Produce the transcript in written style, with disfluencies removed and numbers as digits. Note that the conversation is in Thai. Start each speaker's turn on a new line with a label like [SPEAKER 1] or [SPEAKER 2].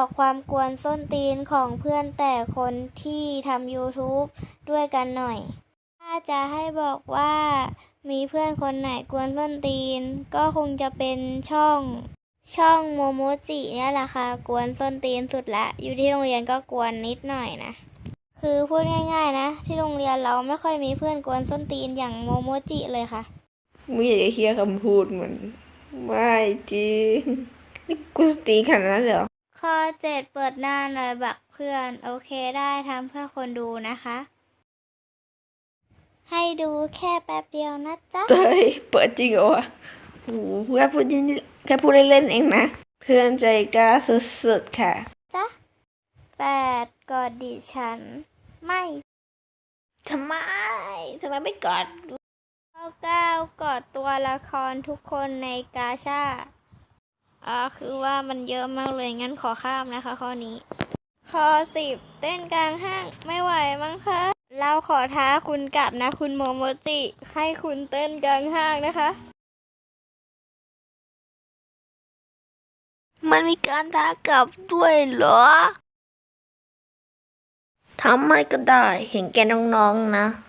[SPEAKER 1] ความกวนส้นตีนของเพื่อนแต่คนที่ทำ YouTube ด้วยกันหน่อยถ้าจะให้บอกว่ามีเพื่อนคนไหนกวนส้นตีนก็คงจะเป็นช่องโมโมจิเนี่ยแหละค่ะกวนส้นตีนสุดละอยู่ที่โรงเรียนก็กวนนิดหน่อยนะคือพูดง่ายๆนะที่โรงเรียนเราไม่ค่อยมีเพื่อนกวนส้นตีนอย่างโมโมจิเลยค่ะ
[SPEAKER 2] ไม่อยากจะเฮียคำพูดเหมือนไม่จริงนี่กูตีขนาดนั้นเหรอ
[SPEAKER 1] ข้อ7เปิดหน้าหน่อยบักเพื่อนโอเคได้ทำเพื่อคนดูนะคะให้ดูแค่แป๊บเดียวนะจ๊ะ
[SPEAKER 2] เฮ้ยเปิดจริงเหรอวะโอ้โหแค่พูดเล่นๆเองนะเพื่อนใจกล้าสุดๆค่ะ
[SPEAKER 1] จ๊ะ8กอดดิฉันไม่
[SPEAKER 2] ทำไมไม่กอด
[SPEAKER 1] ข้อ9กอดตัวละครทุกคนในกาชาดคือว่ามันเยอะมากเลยงั้นขอข้ามนะคะข้อนี้ข้อ10เต้นกลางห้างไม่ไหวมั้งคะเราขอท้าคุณกลับนะคุณโมโมจิให้คุณเต้นกลางห้างนะคะ
[SPEAKER 2] มันมีการท้ากลับด้วยเหรอทำไม่ก็ได้เห็นแกน้องๆนะ